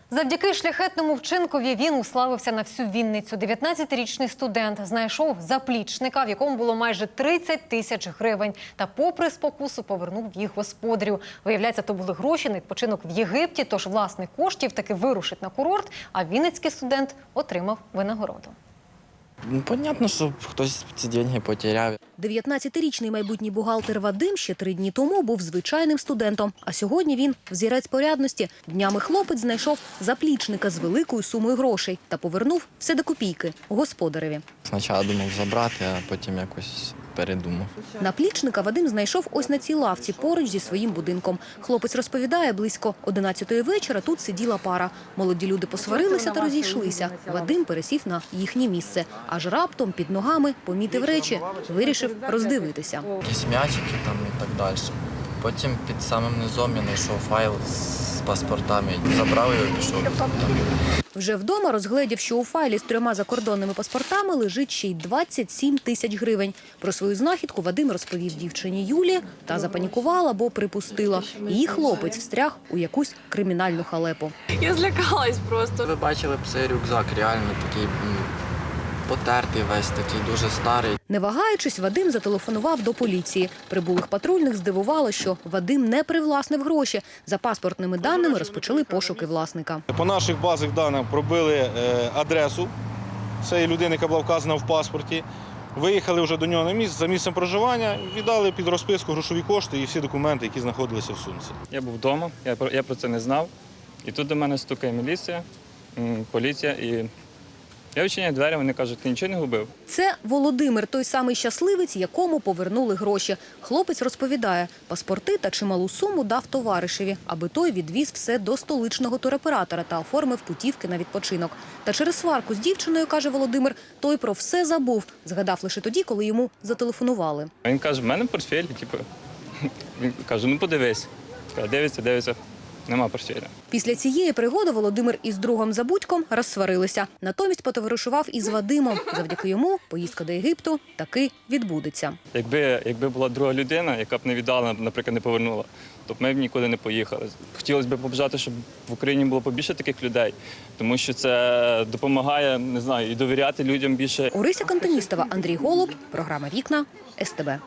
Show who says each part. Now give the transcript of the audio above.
Speaker 1: Завдяки шляхетному вчинкові він уславився на всю Вінницю. 19-річний студент знайшов заплічника, в якому було майже 30 тисяч гривень. Та попри спокусу повернув їх господарю. Виявляється, то були гроші на відпочинок в Єгипті, тож власник коштів таки вирушить на курорт, а вінницький студент отримав винагороду.
Speaker 2: Понятно, що хтось ці гроші потеряв.
Speaker 3: 19-річний майбутній бухгалтер Вадим ще 3 дні тому був звичайним студентом. А сьогодні він взірець порядності. Днями хлопець знайшов заплічника з великою сумою грошей та повернув все до копійки господареві.
Speaker 2: Спочатку думав забрати, а потім якось передумав.
Speaker 3: Наплічника Вадим знайшов ось на цій лавці поруч зі своїм будинком. Хлопець розповідає, близько 11-ї вечора тут сиділа пара. Молоді люди посварилися та розійшлися. Вадим пересів на їхнє місце. Аж раптом під ногами помітив речі. Вирішив роздивитися.
Speaker 2: Якісь м'ячики там і так далі. Потім під самим низом я знайшов файл з паспортами. Забрав його і пішов.
Speaker 3: Вже вдома розгледів, що у файлі з 3 закордонними паспортами лежить ще й 27 тисяч гривень. Про свою знахідку Вадим розповів дівчині Юлі та запанікувала, бо припустила. Її хлопець встряг у якусь кримінальну халепу.
Speaker 4: Я злякалась просто.
Speaker 2: Ви бачили б цей рюкзак, реально такий потертий весь, такий дуже старий.
Speaker 3: Не вагаючись, Вадим зателефонував до поліції. Прибулих патрульних здивувало, що Вадим не привласнив гроші. За паспортними даними розпочали пошуки власника.
Speaker 5: По наших базах даних пробили адресу цієї людини, яка була вказана в паспорті. Виїхали вже до нього на місце, за місцем проживання, віддали під розписку грошові кошти і всі документи, які знаходилися в сумці.
Speaker 6: Я був вдома, я про це не знав. І тут до мене стукає міліція, поліція і... Я відчиняю двері, вони кажуть, ти нічого не губив?
Speaker 3: Це Володимир, той самий щасливець, якому повернули гроші. Хлопець розповідає, паспорти та чималу суму дав товаришеві, аби той відвіз все до столичного туроператора та оформив путівки на відпочинок. Та через сварку з дівчиною, каже Володимир, той про все забув. Згадав лише тоді, коли йому зателефонували.
Speaker 6: Він каже, в мене портфель, він каже, ну подивись. Дивиться. Нема портфеля.
Speaker 3: Після цієї пригоди Володимир із другом Забудьком розсварилися. Натомість потоваришував із Вадимом. Завдяки йому поїздка до Єгипту таки відбудеться.
Speaker 6: Якби була друга людина, яка б не віддала, наприклад, не повернула, то б ми б нікуди не поїхали. Хотілося б побажати, щоб в Україні було побільше таких людей, тому що це допомагає, не знаю, і довіряти людям більше.
Speaker 3: Орися Кантоністова, Андрій Голуб, програма «Вікна», СТБ.